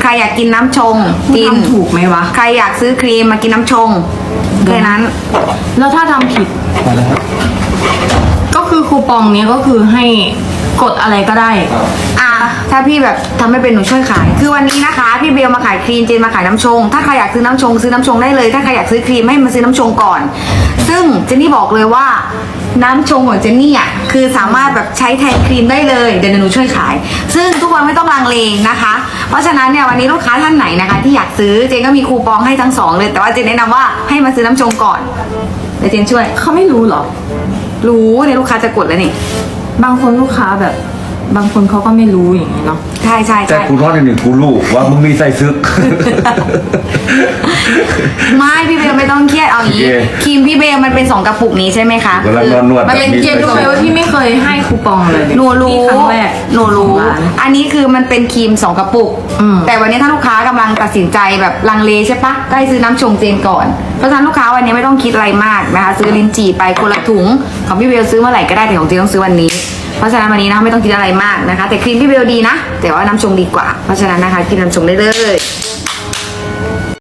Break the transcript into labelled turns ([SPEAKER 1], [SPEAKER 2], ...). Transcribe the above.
[SPEAKER 1] รอยากกินน้ำชงกิน
[SPEAKER 2] ทำถูกไหมวะ
[SPEAKER 1] ใครอยากซื้อครีมมากินน้ำชงแค่นั้น
[SPEAKER 2] แล้วถ้าทำผิด
[SPEAKER 3] มาแล้วครับ
[SPEAKER 2] ก็คือคูปองเนี้ยก็คือให้กดอะไรก็ได้
[SPEAKER 1] อ่ะถ้าพี่แบบทำไม่เป็นหนูช่วยขาย คือวันนี้นะคะพี่เบลมาขายครีมเจนมาขายน้ำชง ถ้าใครอยากซื้อน้ำชงซื้อน้ำชงได้เลย ถ้าใครอยากซื้อครีมให้มาซื้อน้ำชงก่อน ซึ่งเจนนี่บอกเลยว่าน้ำชงของเจนนี่อ่ะคือสามารถแบบใช้แทนครีมได้เลยเดี๋ยวหนูช่วยขาย ซึ่งทุกคนไม่ต้องลังเลนะคะ เพราะฉะนั้นเนี่ยวันนี้ลูกค้าท่านไหนนะคะที่อยากซื้อเจนก็มีคูปองให้ทั้งสองเลยแต่ว่าเจนแนะนำว่าให้มาซื้อน้ำชงก่อนเดี๋ยวเจนช่วย
[SPEAKER 2] เขาไม่รู้หรอ
[SPEAKER 1] รู้เนี่ยลูกค้าจะกดแล้วนี่
[SPEAKER 2] บางคนลูกค้าแบบ บางคนเขาก็ไม่รู้อย่างนี้เนาะ
[SPEAKER 1] ใช่ใช่
[SPEAKER 3] แต่
[SPEAKER 1] ใช่
[SPEAKER 3] กูรอดในหนึ่งกูรู้ว่ามึงมีใส่ซึก
[SPEAKER 1] ไม่พี่เบลไม่ต้องเครียดเอาอย่างนี้
[SPEAKER 3] โอเค
[SPEAKER 1] ครีมพี่เบลมันเป็น2กระปุกนี้ใช่ไหมคะ
[SPEAKER 3] กำลังนวดๆ
[SPEAKER 1] มันเป็น
[SPEAKER 2] เจนรู้ไหมว่าที่ไม่เคยให้คูปองเลย
[SPEAKER 1] หนูรู้
[SPEAKER 2] นี่ครั้งแรก
[SPEAKER 1] หนูรู้
[SPEAKER 2] ของร้าน
[SPEAKER 1] อันนี้คือมันเป็นครีม2กระปุก
[SPEAKER 2] อืม
[SPEAKER 1] แต่วันนี้ถ้าลูกค้ากำลังตัดสินใจแบบลังเลใช่ปะก็ให้ซื้อน้ำชงเจนก่อนเพราะฉะนั้นลูกค้าวันนี้ไม่ต้องคิดอะไรมากนะคะซื้อลิ้นจี่ไปคนละถุงของพี่เบลซื้อเมื่อไหร่ก็ได้แต่ของเจนต้องซื้อวันนี้ เพราะฉะนั้นวันนี้นะไม่ต้องคิดอะไรมากนะคะ แต่ครีมพี่เบลดีนะ แต่ว่าน้ำชงดีกว่า เพราะฉะนั้นนะคะกินน้ำชงได้เลย